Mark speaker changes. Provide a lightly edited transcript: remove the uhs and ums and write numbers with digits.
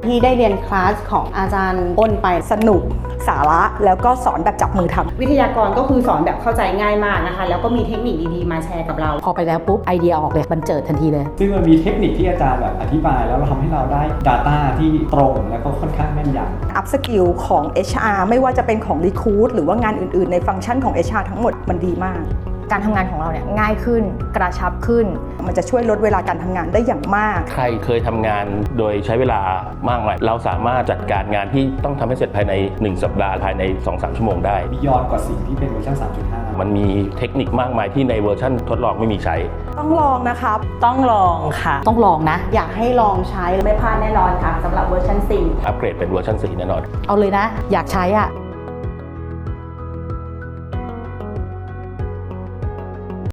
Speaker 1: ที่ได้เรียนคลาสของอาจารย์อ้นไป
Speaker 2: สนุกสาระแล้วก็สอนแบบจับมือทำ
Speaker 1: วิทยากรก็คือสอนแบบเข้าใจง่ายมากนะคะแล้วก็มีเทคนิคดีๆมาแชร์กับเรา
Speaker 3: พอไปแล้วปุ๊บไอเดียออกเลยบันเจิดทันทีเลย
Speaker 4: ซึ่งมันมีเทคนิคที่อาจารย์แบบอธิบายแล้วเราทำให้เราได้ Data ที่ตรงแล้วก็ค่อนข้างแม่นยำ
Speaker 2: อัพสกิลของ HR ไม่ว่าจะเป็นของ Recruit หรือว่างานอื่นๆในฟังก์ชันของ HR ทั้งหมดมันดีมาก
Speaker 5: การทำงานของเราเนี่ยง่ายขึ้นกระชับขึ้น
Speaker 2: มันจะช่วยลดเวลาการทำงานได้อย่างมาก
Speaker 6: ใครเคยทำงานโดยใช้เวลามากหน่อยเราสามารถจัดการงานที่ต้องทำให้เสร็จภายใน1สัปดาห์ภายใน 2-3 ชั่วโมงได้
Speaker 4: บียอนกว่าสิ่งที่เป็นเวอร์ชัน 3.5
Speaker 6: มันมีเทคนิคมากมายที่ในเวอร์ชันทดลองไม่มีใช้
Speaker 2: ต้องลองนะครับ
Speaker 3: ต้องลองค่ะต้องลองนะ
Speaker 1: อยากให้ลองใช้ไม่พลาดแน่นอนค่ะสำหรับเวอร์ชัน4
Speaker 6: อัปเกรดเป็นเวอร์ชัน4แน่นอน
Speaker 3: เอาเลยนะอยากใช้อ่ะ